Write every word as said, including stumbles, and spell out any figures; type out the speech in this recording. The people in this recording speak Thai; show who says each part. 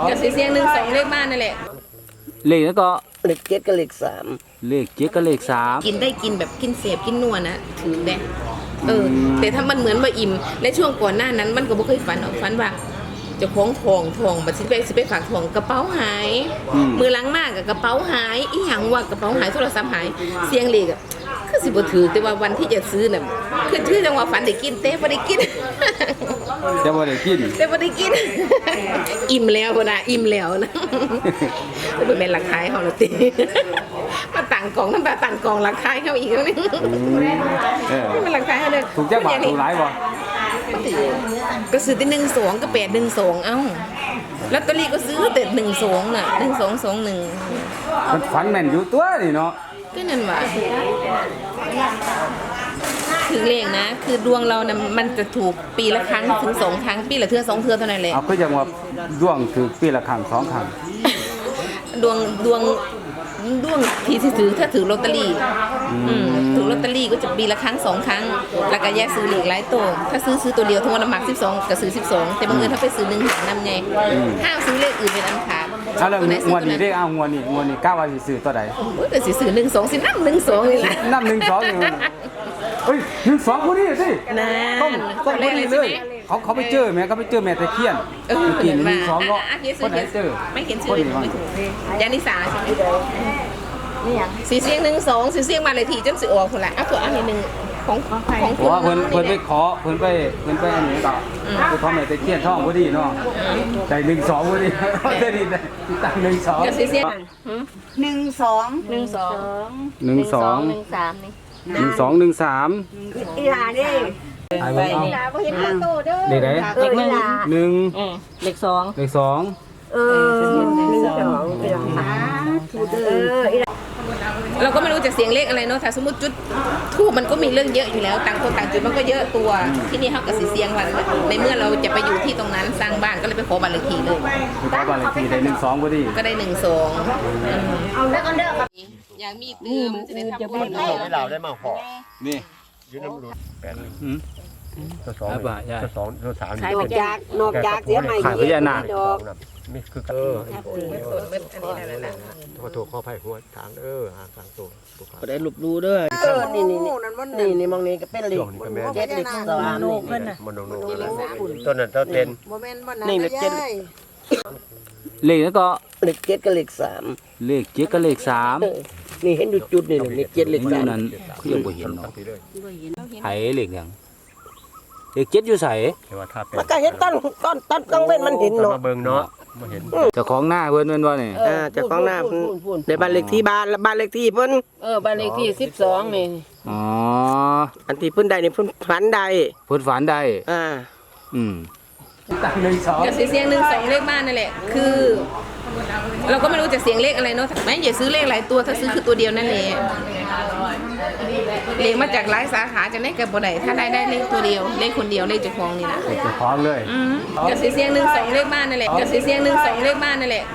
Speaker 1: ก็สีเสียงหนึ่งสองเลขบ้านนั่นแหละ
Speaker 2: เลขแล้วก็
Speaker 3: เลขเจ็ดกับเลขสาม
Speaker 2: เลขเจ็ดกับเลขสาม
Speaker 1: กินได้กินแบบกินเสพกินนัวนะถือได้เออแต่ถ้ามันเหมือนว่าอิ่มและช่วงก่อนหน้านั้นมันก็บ่เคยฝันออกฝันว่าจะคล้องทองทองบัดสิไปสิไปฝากทองกระเป๋าหายมือล้างมากกับกระเป๋าหายอีหยังว่ากระเป๋าหายโทรศัพท์หายเสียงเลขอ่ะคือสิบ่ถือแต่ว่าวันที่จะซื้อน่ะคือชื่อจังว่าฝันได้กินแต่บ่ได้กิน
Speaker 2: แต่บ่ได้กิน
Speaker 1: แต่บ่ได้กินอิ่มแล้วพุ่นน่ะอิ่มแล้วนะบ่แม่นราคาเฮาละติมาตั้งกองนำตั้งกองราคาเฮาอีกแล้วนี่เออมันราคาเฮาเด้อ
Speaker 2: ถูกจักบาทถูกหลายบ่
Speaker 1: ก็ซื้อแต่หนึ่งสองก็แปดหนึ่งสองเอ้าลอตเตอรี่ก็ซื้อแต่หนึ่งสองน่ะหนึ่งสองสองหนึ่ง
Speaker 2: มันฝันแม่นอยู่ตัวนี่เนาะ
Speaker 1: ก็นั่นว่าคือเลขนะคือดวงเรานะมันจะถูกปีละครั้งถึงสองครั้งปีละเทื่อสองเทื่อเท่านั้นแหละ
Speaker 2: เอาก็อย่างว่าดวงถือปีละครั้งสองครั้ง
Speaker 1: ดวงดวงดวงที่ถือถ้าถือลอตเตอรี่ถือลอตเตอรี่ก็จะปีละครั้งสองครั้งแล้วก็แยกซื้อเลขหลายตัวถ้าซื้อซื้อตัวเดียวทั้งวันน้ำหมักสิบสองก็ซื้อสิบสองแต่บางเงินถ้าไปซื้อหนึ่งหางนำไงห้ามซื้อเลขอื่นเป็นอันขาด
Speaker 2: เอาแล้วงวดนี้เลขเอางวดนี้งวดนี้กล้าว่าสิซื้อตัวใด
Speaker 1: โอ้ยก็สิซื้อหนึ่งสองสิน้ำหนึ่งสองนี่แหละ
Speaker 2: น้ำหนึ่งสองอยู่เฮ้ยหนึ่งสองคนนี้สิต้องต้องคนนี้เลยเขาเขาไปเจอแม่เขาไปเจอแม่ตะเคียน
Speaker 1: เออ
Speaker 2: กินหนึ่งสองก็คนไหนเจอ
Speaker 1: ไม่เขียนชื่อไม่ถูกยานิสาใช่ไหมสีเสียงหนึ่งสองสีเสียงมาเลยทีจนสิออกคนละอ่ะตัวอันนี้หนึ่งของของของ
Speaker 2: เพราะว่าเพิ่นเพิ่นไปขอเพิ่นไปเพิ่นไปอันนี้ต่อคือเขาแม่ตะเคียนท่องพอดีเนาะใจหนึ่งสองพอดีได้ดีได้ตั้งหนึ่งสอง
Speaker 1: สีเสียง
Speaker 3: หนึ่งสอง
Speaker 1: หนึ่งสอง
Speaker 2: หนึ่งสอง
Speaker 1: หนึ่งสามนี่
Speaker 2: หนึ่งสองหนึ่งสาม
Speaker 3: อีหลาเด้
Speaker 2: ไอ้บ้า
Speaker 3: เอาเห็นประตูเด้อ
Speaker 2: เด็กไหน
Speaker 1: เด็กหนึ่ง
Speaker 2: หนึ่ง
Speaker 1: เด็กสอง
Speaker 2: เด็กสอง
Speaker 3: เออหนึ่งสองเป็นหาถูกเด้อ
Speaker 1: เราก็ไม่รู้จะเสียงเลขอะไรเนาะถ้าสมมติจุดทูบมันก็มีเรื่องเยอะอยู่แล้วต่างคนต่างจุดมันก็เยอะตัวที่นี่เขากับสีเสียงวันในเมื่อเราจะไปอยู่ที่ตรงนั้นสร้างบ้านก็เลยไปขอบัตรเลขที่เลย
Speaker 2: ขอบัตรเลขที่ได้หนึ่งสองพอดี
Speaker 1: ก็ได้หนึ่งสองเอาแล้วกันเด้อครับอยากมีตื้มจะได้ทำบุญ
Speaker 4: ให้เราได้มาห่อ
Speaker 2: นี่
Speaker 4: ยืนน้ำรุนแปด
Speaker 2: ตัวสอง
Speaker 4: ตัวสองตัวสาม
Speaker 3: นอกจากนอกจากเสียใหม่
Speaker 2: ขายพญานาค
Speaker 4: นี่คือเออขอโทษขออภัยหัวทางเออหางทางตัว
Speaker 3: ก็ได้หลุบดูด้วยเออนี่นี่นี่นี่มองนี่ก็เป็นเหล็กเจ็ดเหล็กสามนี่
Speaker 4: มันโนโน่ต้นนั้นต้นเต็น
Speaker 3: นี่เหล็กเจ็ด
Speaker 2: เลขแล้วก็
Speaker 3: เลขเจ็ดกับเลขสาม
Speaker 2: เลขเจ็ดกับเลขสาม
Speaker 3: นี่เห็นดูจุดนี่เลขเจ็ดเลขสาม
Speaker 2: นั้นคือยังบ่เห็นเนาะไผเลขหยังเลขเจ็ดอยู่ไส
Speaker 3: มันก็เห็นต้นต้นต้นกังเว้นมันเห็นเนาะ
Speaker 4: มาเบิ่งเนาะมาเห็น
Speaker 2: เจ้าของหน้าเพิ่นแม่นบ่นี่
Speaker 3: อ่าเจ้าของหน้าเพิ่นในบ้านเลขที่บ้านบ้านเลขที่เพิ่น
Speaker 1: เออบ้านเลขที่สิบสองนี่
Speaker 2: อ๋อ
Speaker 3: อันที่เพิ่นได้นี่เพิ่นฝันได้
Speaker 2: เพิ่นฝันได้
Speaker 3: อ่า
Speaker 2: อืมตั้งหนึ่งสอง
Speaker 1: ก็สีเสียงหนึ่งสองเลขบ้านนั่นแหละคือเราก็ไม่รู้จะเสียงเลขอะไรเนาะไม่อย่าซื้อเลขหลายตัวถ้าซื้อคือตัวเดียวนั่นแหละเลขมาจากหลายสาขาจะได้กับบ่ได้ถ้าได้ได้เลขตัวเดียวเลขคนเดียวเลขเจ้าของนี่นะ
Speaker 2: เจ้าของเลย
Speaker 1: ก็สีเสียงหนึ่งสองเลขบ้านนั่นแหละก็สีเสียงหนึ่งสองเลขบ้านนั่นแหละ